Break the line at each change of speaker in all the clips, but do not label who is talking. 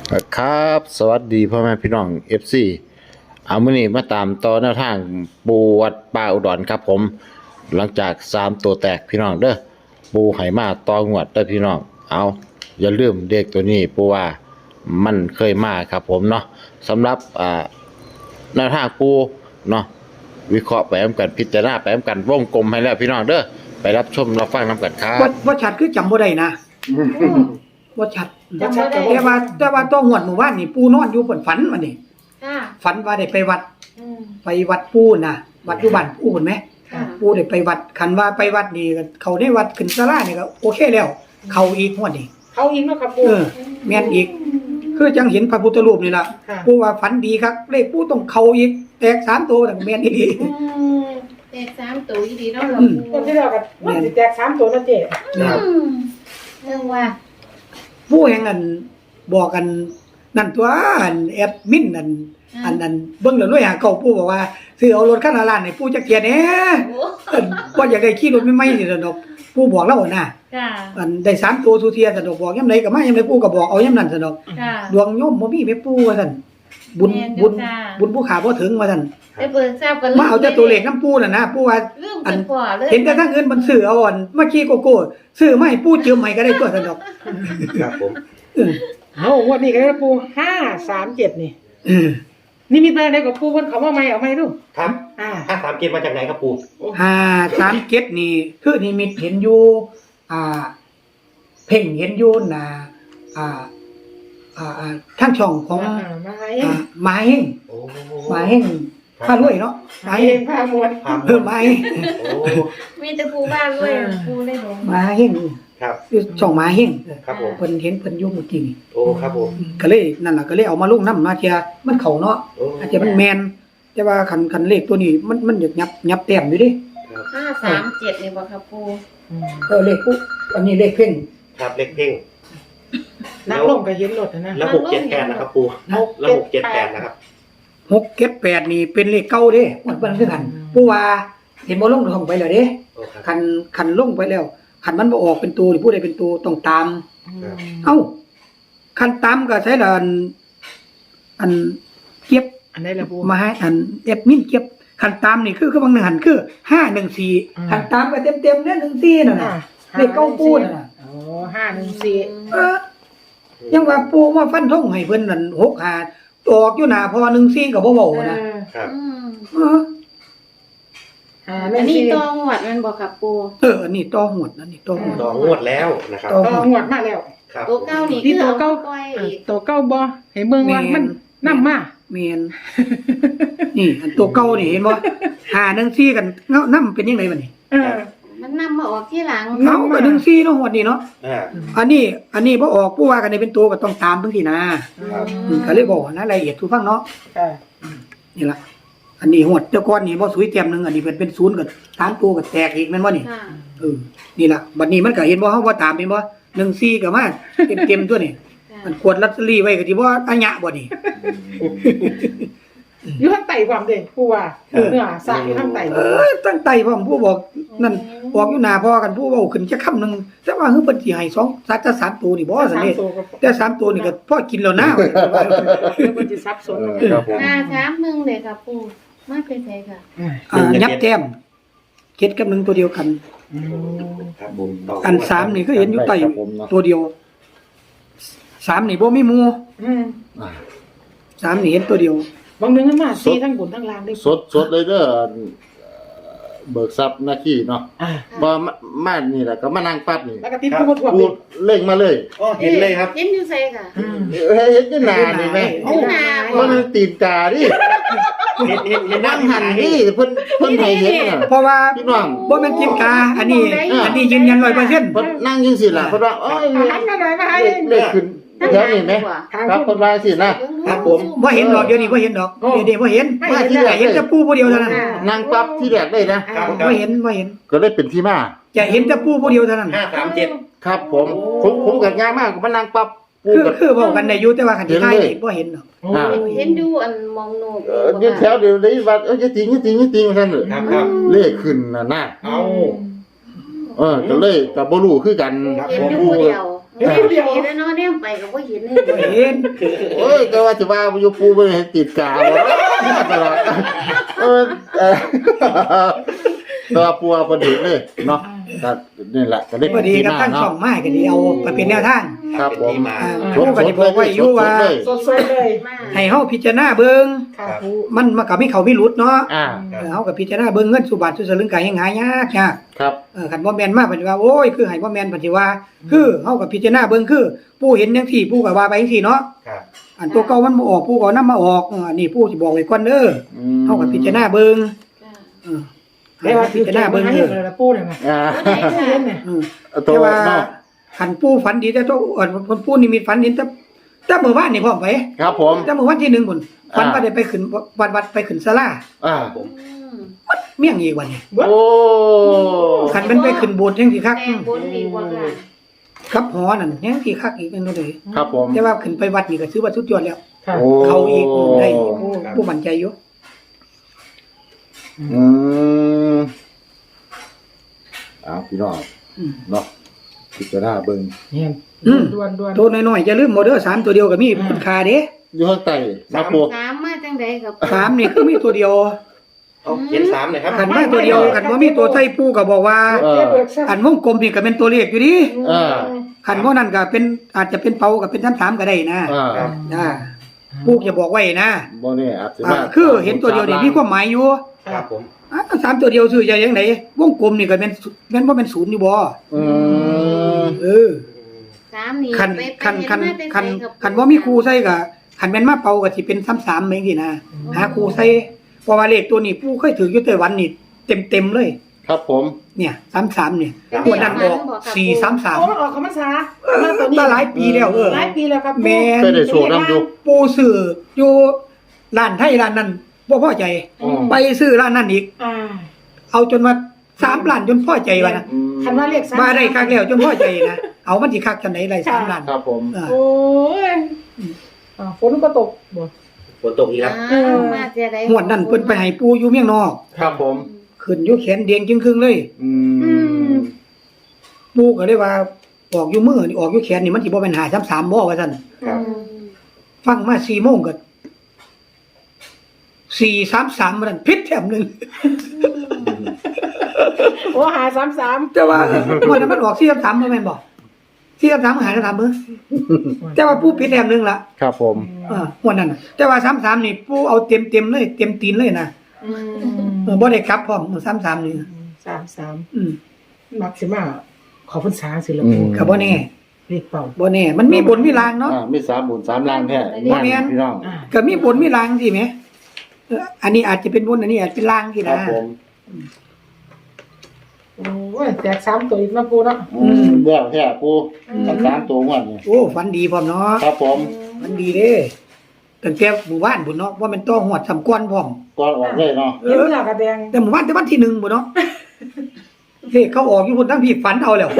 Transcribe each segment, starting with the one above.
ครับสวัสดีพ่อแม่พี่น้อง FC เอามื้อนี้มาตามต่อแนวทางปูวัดป่าอุดรครับผมหลังจาก3ตัวแตกพี่น้องเด้อปูให้มาต่องวดเด้อพี่น้องเอาอย่าลืมเด็กตัวนี้ปูว่ามันเคยมาครับผมเนาะสำหรับแนวทางปูเนาะวิเคราะห์ไปนำกันพิจารณาไปนำกันวงกลมให้แล้วพี่น้องเด้อไปรับชมรับฟังนำกันครับ
ว่าชัดคือจำบ่ได้นะว่าชัด
จำบ่ได้
แต่ว่าต้องหวดหมู่บ้านนี่ปูนอนอยู่เพิ่นฝันมานี่
ค่ะ
ฝันว่าได้ไปวัด
อืม
ไปวัดปูน่ะ วัดอยู่บ้านปูเห็นไหม
ค่ะ
ปูได้ไปวัดคันว่าไปวัดนี่ก็เขาได้วัดขึ้นศาลานี่ก็โอเคแล้ว เขาอีกงวดนี่
เขาอิงเนาะครับปู
แม่นอีก คือจังเห็นพระพุทธรูปนี่ล่ะ
ค่ะ
ปูว่าฝันดีครับเลขปูต้องเข้าอีกแตก3ตัวนั่นแม่นอีหลี
อืมแตก3ตัวอีดีเนาะหลว
อื
ง
ม
คน
ปู่
ที่เรากับมันสิแตก3ตัวนะเจ๊
ครับ
อืมเรื่องว่า
ผู้แห่งนั้นบอกกันนั่นตัวอันแอดมินนั่นอันนั้นเบิ่งแล้วรวยหาเก่าปู่บอกว่าซื้อเอารถคันละล้านให้ปู่จักเที่ยแหน่
โอ้
บ่อยากได้ขี่รถใหม่ๆนี่ล่ะดอกปู่บอกแล้วน่ะ
ค่ะ
อันได้3ตัวทุเที่ยซะดอกบอกยามใดก็มายามใดปู่ก็บอกเอายามนั้นซะดอก
ค่ะ
ดวงโยมบ่มีแม่ปู่ว่าซั่นบุญ
แม่นอยู่
บุญ
จ้า
บุญผู้ขาบ่ถึงว่าซั่น
ไปเปิดทราบกัน
มาเอาแต่ตัวเลขนำปู่น่ะนะปู่ว่า
เรื่องกันกว่าเลย
เห็นแต่ทางอื่นมันซื้อเอาอ่อนมาขี่โกโก้ซื้อมาให้ปู่เจิมใหม่ก็ได้ตัวซะดอก
ครับผม
เออ
เอางวดนี้ก็ได้ปู537นี่
เออ
นี่มีอะไรกับปูเพิ่นเขาว่าใหม่เอาใหม่ดู
ครับ
อ่า
537มาจากไหนครับปู่
537นี่คือนิมิตเห็นอยู่อ่า เพ่งเห็นอยู่น่ะทางช่องของ
มาให้
หมาเฮง
โอ้
หมาเฮงพารวยเนาะหมาเฮ
เอง งพามวล
ครับ
หมาเฮง
โอ้
มีแต่ปูบ้านด้วยปูได้หลง
หมาเฮง
ครับ
คือช่องหมาเฮง
ครับผม
เพิ่นเห็นเพิ่นอยู่เมื่อกี้นี่
โอ้ครับผม
ก็เลยนั่นล่ะก็เลยเอามาลงน้ำมาเทียมันเข้าเนาะ
โอ้
อาจจะมันแม่นแต่ว่าคันเลขตัวนี้มันอยากยับแต้มอยู่ดิ
537นี่บ่ครับปู
เลขปุ๊บอันนี้เลขเพ่ง
ครับเล็กเพ่ง
นักลงก็เห็นรถนะ
แล้ว678นะครับปู่แล้ว678นะครับ
678นี่เป็นเลขเก่าเด้มันเพิ่นคือกันผู้ว่าเห็นบ่ลงลงไปแล้วเด้
โอ้ครับ
คันลงไปแล้วคันมันบ่ออกเป็นตัวนี่ผู้ใดเป็นตัวต้องตาม เอ้าคันตามก็ใช้ละอันเก็บ
อันไหนล่ะปู
มาให้อันแอดมินเก็บคันตามนี่คือบางหนึ่งหันคือ514คันตามก็เต็มๆเนี่ย14นั่นน่ะเลขเก้าปูนั่นน่ะ
โอ้514
เออยังว่าปูมาฟันธงให้เพิ่นนั่น6-5ออกอยู่หน้าพอ14ก็บ่เว้านะ
ครับ
อืม
เออ
อันนี้ตองหวัดมันบ่ครับปู
อันนี้ต่อหวดอันนี้ต่อหวด
ต่องวดแล้วนะครับ
ต่อ
ก็งวดมาแล้ว
ครับ
ตัวเก้านี่
ที่
คือ
ตัว
เอา
เก้า
ปล่อยอีก
ตัวเก้าบ่ให้เมืองว่ามันนำมา
แม่นนี่อันตัวเก่านี่เห็นบ่514กันนำเป็นจังไดบัดนี้
เออ
มันนำมาออกที่หลัง
เอาก็14เนาะหวดนี้เนาะ
อ่า
อันนี้บ่ออกผู้ว่ากันได้เป็นตัวก็ต้องตามจังซี่นะครับ ก็เลยบอกนะรายละเอียดทุกฟังเนาะ
ค่ะ
นี่ล่ะอันนี้หวดเจ้าก้อนนี่บ่สวยเต็มหนึงอันนี้เป็นศูนย์ก็ตามตัวก็แตกอีกแม่นบ่นี่
ค่ะ
นี่ล่ะบัดนี้มันก็เห็นบ่เฮาบ่ตามเห็นบ่14ก็มาเต็มๆตัวนี่
ค่ะ
มันกวดลอตเตอรี่ไว้ก็สิบ่อัญญะบ่นี่
อยู่ทางใต้ความเด้ปูว่าเนื้อสายอยู่ทางใต้
ตั้งใจพร้อมผู้บอกนั่นออกอยู่หน้าพอกันผู้เว้าขึ้นจักคำหนึงแต่ว่าคือเพิ่นสิให้2สัก3ตัวนี่บ่ซั่นเด้
ตัวก็
แต่3ตัวนี่ก็พอกินแล้วนะ
เดี๋ยวมันสิซับซ้อน
ครับผม
531เลยครับปูมาเป็นไสค่ะ
ยับแต้มเจ็ดกับ1ตัวเดียวกัน
ครับผมต่
อัน3นี่คือเห็นอยู่ใต้ตัวเดียว3นี่บ่มีหมู่
อืม
3นี่เห็นตัวเดียว
บางนึงมันมาสีทั้งบนทั้งล่างได้
สดเลยเด้อเบิกทรัพย์หน้าที่เนาะ
อ่า
พอมานี่แหละก็มานั่งปั๊บนี่
แล้วก็ติดผู้ถ่วง
พูดเร่งมาเลย
อ๋อเห็นเลยครับ
เห็นอยู่ไสค่ะ
เห็นอยู่หน้านี่แม่
เห็นหน้าบ่
มันตีนกาดิ
เห็น
นั่งหันนี่เพิ่นให้เห็นน่ะ
เพราะว่า
พี่น้อง
บ่แม่นจิมกาอันนี้ยืนยัน 100%
เพิ่นนั่งจังซี่ล่ะเพิ่นว่าโอ้ย
หันมาหน่อยมาให้
เลขขึ้นแถวนี้ไหมครับเพิ่นว่าสินะ
ครับผม
บ่เห็นดอกเดี๋ยวนี้บ่เห็นดอกเดี๋ยวบ่เห็น
มาที่แรก
เห็นแต่ปูผู้เดียวเท่านั้น
นั่งปั๊บที่แรกเลยนะ
บ่เห็น
ก็เลยเป็นที่มา
จะเห็นแต่ปูผู้เดียวเท่านั้น
537
ครับผมก็ง่ายมากมานั่งปั๊บปูก็
คือเว้ากันได้อยู่แต่ว่าคันสิทายนี่บ่เห็นดอก
เห็นอยู่อันมองโนบ
ยืนแถวเดียวได้ว่าจะติงว่าซั่นน่ะ
ครับครับ
เลขขึ้นน่ะนะ
เอา
ก็เลยก็บ่รู้คือกัน
เห็นอยู่ผู้เดียวเห็นเดียวแล้วเนาะเนี่ยไปก็บ่เห็นเลย
บ่เห็น
โอ้ยก็ว่าจะว่าอยู่ปูบ่เห็นติดกาวตลอดตัวปัวบ่ดีเลยเนาะก็นี่แหละก็ได้
พอดีกับ
ห
ทั้ง
เนาะ
ช่องไม้ก็ดีเอาไปเป็นแนวทาง
ครับผม
ที่มา
ผู้ก็สิบอกไว้อยู่ว่า
สดๆเลย
มา
ให้เฮาพิจารณาเบิ่ง
ค่ะปู
มันก็มีเขามีหลุดเนาะ
อ่า
เฮาก็พิจารณาเบิ่งเงินสุบาทสุสลึงก็ยังหายากยาก
ครับ
คันบ่แม่นมาเพิ่นว่าโอ้ยคือให้บ่แม่นเพิ่นสิว่า คือเฮาก็พิจารณาเบิ่งคือผู้เห็นจังซี่ผู้ก็ว่าไปจังซี่เนาะ
ครับ
อันตัวเก่ามันบ่ออกผู้ก็นำมาออกอันนี้ผู้สิบอกไว้ก่อนเด้อเฮาก็พิจารณาเบิ่ง
ค่ะ
เออ
ได้ว่า
พิจารณาเบิ่ง
ให้
เด้อ
เลยละปูเนี่ยนะ
อ่า
ตัวไหน
เล่น
ค่ะ
เนี่ย
ตัว
แต่ว่า
เนาะ
คันผู้ฝันดีแต่ตัวคนผู้นิมิตฝันเห็นแต่มื้อวานนี่พร้อมไป
ครับผม
แต่มื้อวันที่1พุ่นฝันว่าได้ไปขึ้นวัดไปขึ้นศาลา
อ่า
ผม
เมี่ยงอีกวันนี้
โอ้
คันเป็นไปขึ้นโบสถ์จังซี่คัก
แต่บนดีกว่าค่ะ
ครับหอนั่นยังสิคักอีกนั่นเลย
ครับผม
แต่ว่าขึ้นไปวัดนี่ก็ถือว่าสุดยอดแล้ว
ค่ะ
โอ้
เขาอีกได้ผู้มั่นใจอยู่
อืมพี่น้อง
อืม
เนาะพิจารณาเบิ่ง
เนี่ย
อืม
ด่วนๆ
ตัวน้อยๆอย่าลืมโมเดล3ตัวเดียวก็มีคุณค่าเด้
อยู่ข้างใต้นะปู
ถามมาจังไดครับ
3นี่คือมีตัวเดียว
เอาเขียน3หน่อยครับ
คันมาตัวเดียวคันบ่มีตัวใส่ปูก็บอกว่า
เออ
อันวงกลมนี่ก็เป็นตัวเลขอยู่ดิ
เออ
คันบ่นั่นก็เป็นอาจจะเป็นเป่าก็เป็น3ก็ได้นะ
อ่า
อ่าปูจะบอกไว้นะ
บ่นี่อาจจะ
คือเห็นตัวเดียวนี่มีความหมายอยู่
ครับผม
3ตัวเดียวซื้อจะจังไดวงกลมนี่ก็เป็นบ่เป็น0อยู่บ่
อืม
เออ
สามนี่
คัน
ไป
คัน
เห็
คัน
มาแต่
คัน
ไสรับ
คันว่ามีครูใส่ก็คันแม่นมาเป่าก็สิเป็น33แม่งสินะหาครูใส่เพราะว่าเลขตัวนี้ผู้เคยถืออยู่ไต้หวันนี่เต็มๆเลย
ครับผม
เนี่ย33เนี่ย
ครับ
ตัวนั้นออก
โอ้
433
มันออกคำภาษามาตัวนี้
มาหลายปีแล้วเออ
หลายปีแล้วครับ
แม่
เคยได้โชว์น้ำอยู่
ปูซื้ออยู่ร้านไทยร้านนั้นบ่พอใจ
อืม
ไปซื้อร้านนั้นอีก
อ่า
เอาจนว่า3ล้านจนพอใจว่านะ
คันว่าเลข3
มาได้คักแล้วจนพอใจนะเอามันสิคักจังได๋ได้3ล้าน
ครับผม
เออ
โอ้ยฝนก็ตกบ่
ฝนตกอีกครับ
อ้าวมาจะได้
งวดนั้นเพิ่นไปให้ปูอยู่เมียงนอก
ครับผม
ขึ้นอยู่แขนเดียงจึงครึ่งเลย
อืม
ปูก็เลยว่าออกอยู่มือนี่ออกอยู่แขนนี่มันสิบ่เป็น533บ่ว่าซั่น
ครับ
ฟังมา4โมงก็433มันผิดแถมหนึง
โอ้หา33
แต่ว่าวันนั้นมันออก433บ่แม่นบ่433หายแล้ว3มื้อแต่ว่าปูผิดแถมหนึงล่ะ
ครับผม
วันนั้นน่ะแต่ว่า33นี่ปูเอาเต็มๆเลยเต็มตีนเลยนะบ่ได้กลับพร้อม33นี่
33
อืม
มักสิมาขอพรรษาสิละ
อื
ปู
ม
ก็บ่แน่
เลขเป่า
บ่แน่มันมีบนมีลางเนาะ
มี3บุญ3ลางแท้
บ่แม่น
พี่น้อง
อ่า
ก็มีบนมีลางสิแหมอันนี้อาจจะเป็นบนอันนี้อาจเป็นลางสิ
ครั
นะ
บผม
โอ้ยแตก3ตัวอีกนะปูเนาะ
เรื่องแท้ปู3ตัวงวดนี่
โอ้ฝันดีพร้อมเนาะ
ครับผม
ฝันดีเด้ตั้งแต่หมู่บ้านพุ่นเนาะว่ามันต้องหวดสำกวนพร้อม
ก่อนออกเลยเนาะ
เนื้อกระแดง
แต่หมู่บ้านแต่วันที่1พุ่นเนาะเลขเขาออกอยู่พุ่นทั้งพี่ฝันเอาแล้ว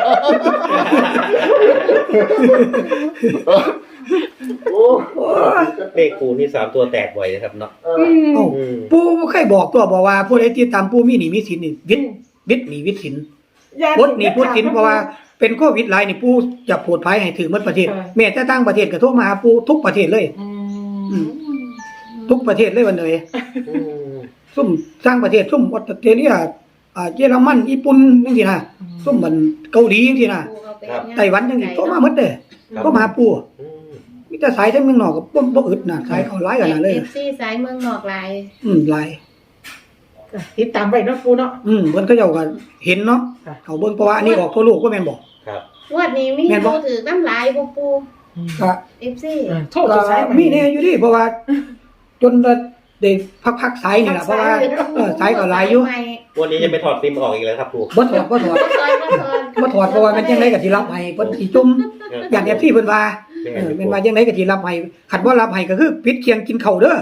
โอ้
เลขปูนี่3ตัวแตกบ่อยนะครับเนาะ
เอ้าปู่เคยบอกตัวบอกว่าผู้ใดติดตามปู่มีหนี้มีสินนี่วิทย์หนี้วิทย์สินปลดหนี้ปลดสินเพราะว่าเป็นโควิดหลายนี่ปู่จะโปรดภัยให้ถึงหมดประเทศแม้แต่ต่างประเทศก็โทรมาหาปู่ทุกประเทศเลย ทุกประเทศเลยวันเลย
อืม
ซุ่มสร้างประเทศซุ่มออสเตรเลียเยอรมันญี่ปุ่นจังซี่นะซุ่มมันเกาหลีจังซี่นะไต้หวันจังซี่โทรมาหมดเด้โทรมาหาปู่
อืม
มีแต่สายทั้งเมืองนอกก็บ่อึดน่ะสายเข้าหลายกันน่ะเลย
FC สายเมืองนอกหลาย
หลาย
ติดตามไว้เนาะปูเนาะ
เพิ่นก็เจ้าก็เห็นเนาะ
ค่ะ
เขาเบิ่งเพราะว่าอันนี้ออกทั่วโลกก็แม่นบ่
ครับ
งวดนี้มี
แม่นบ่
ผู้ถือน้ำลายบ่ปู
ก็
FC
โทษจะใช้
มีแน่อยู่ดิเพราะว่า จนได้พักๆสายนี่ล่ะเพราะว่าสายก็หลายอยู่
วันนี้จะไปถอดซิมออกอีกแล้วครับปู
บ่ถอด
บ่ซอยบ่ซอย
เพราะว่ามันจังไดก็สิรับให้เพิ่นสิจุ่มอย่าง FC เพิ่นว่าเป็นว่าจังไดก็สิรับให้คันบ่รับให้ก็คือปิดเคียงกินข้าวเด้อ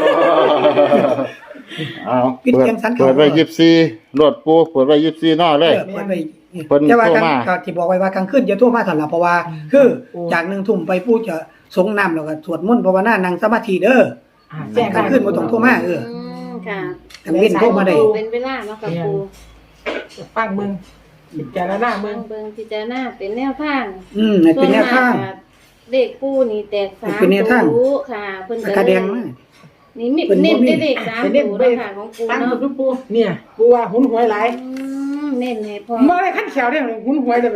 เอา
ปิดเสียงสันเขา
เปิดไว้24รถปูเปิดไว้24นอเลย
เปิดไว้
เพิ่น
แต่ว่า
โทร
กลาง
มา
ก็ที่บอกไว้ว่ากลางคืนอย่าโทรมาสั่นล่ะเพราะว่า คือจาก1ทุ่มไปปู่จะสงน้ำแล้วก็สวดมนต์ภาวนานั่งสมาธิเด้อ
แจ้ง
กลางคืนบ่ต้องโทรมา
ค่ะ
กลางเว้นโทรมาได้
เป็นเวลาเนาะกับปู
ฟังมึงพิจารณาเมือง
เบิ่งพิจารณาเป็นแนวทาง
ให้เป็นแนวทาง
ส่วนมกเด็กปูนี่แตก3
เป็นแนวทาง
ตัวค่ะเพิ่น
กระแดงมา
นี่มี
เพิ่นบ่
เน้น
มี
ได้เลข3
เน้น
ตัว
ไป
เนาะค่ะของปู
ตั้ง
เนาะ
กับปูเนี่ยปูว่าหุนหวยหลาย
เน้นให้พอ
บ่ได้ขั้นแขวเด้หุนหวยเลยไป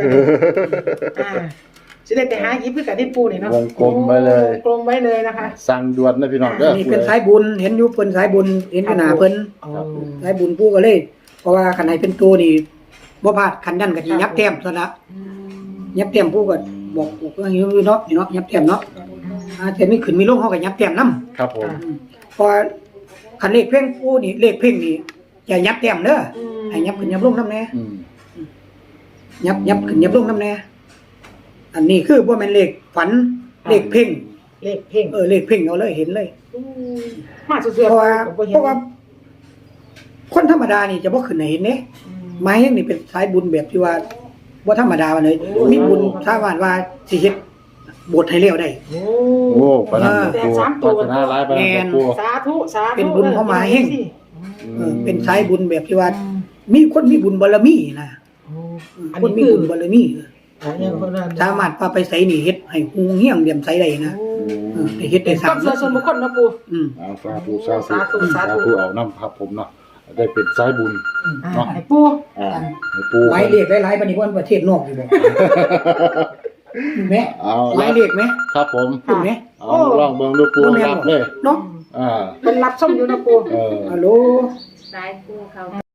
สิได้ไปหาหยิบคือกันที่ปูนี่เนาะ
วงกลมไว้เลย
วงกลมไว้เลยนะคะ
สั่งด่วนนะพี่น้องเด้อ
นี่เป็นสายบุญเห็นอยู่เพิ่นสายบุญเห็นอยู่หน้าเพิ่น
อ๋อ
สายบุญปู่ก็เลย เพราะว่าคันไหนเป็นตัวนี่บ่พลาดคันนั้นก็สิยับแต้มซะละยับแต้มปู่ก็บอกว่าอยู่เนาะนี่เนาะยับแต้มเนาะแต่มีขึ้นมีลงเฮาก็ยับแต้มนํ
ครับผม
พอคันเลขเพ่งปู่นี่เลขเพ่งนี่อย่ายับแต้มเด้อให้ยับขึ้นยับลงนํแน่
อืม
ยับขึ้นยับลงนํแน่อันนี้คือบ่แม่นเลขฝันเลขเพ่ง
เลขเพ่ง
เลขเพ่งเอาเลยเห็นเลย
มาเสือ
เพราะว่า
ก็บ่เห็น
เพราะว่า คนธรรมดานี่จะบ่ขึ้นให้เห็นเด้ไม้นี่เป็นสายบุญแบบที่ว่าบ่ธรรมดาว่าเลยมีบุญสามารถว่าสิเฮ็ดโบสถ์ให้แล้วได้
โอ้
โอ้ปานนั้น
แต่
ปู
สามตัว
ปาถนาหลายปานนั้นปู
สาธุสาธุ
เป็นบุญเข้ามาแห้ง เป็นสายบุญแบบที่ว่า มีคนมีบุญบารมีนะ
อัน
คน
นี้
มี
คือ
บุญบารมี
อันนี้คนนั้น
สามารถพาไปไสนี่เฮ็ดให้ฮูเฮียงเดี่ยมไสได้นะได้เฮ็ดได้สร้า
ต้
ง
นเสือส่วนบุคคลนะปู
อืม
เอาสาธุสาธุ
สาธุสาธุ
เอาน้ำครับผมเนาะได้เป็นสายบุญ เนาะ
ไอ้ปู
ให้ปู
หมายเลขหลายๆปานนี้บ่ประเทศนอกอยู่บ่แม่
เอา
หมายเลขไหม
ครับผม
คุณแม่
เอาลองเบิ่งดูปูรับเลย
เนาะ
อ่า
เป็นรับส้มอยู่นะปู
เออ
ฮัลโหล
สายปูเขา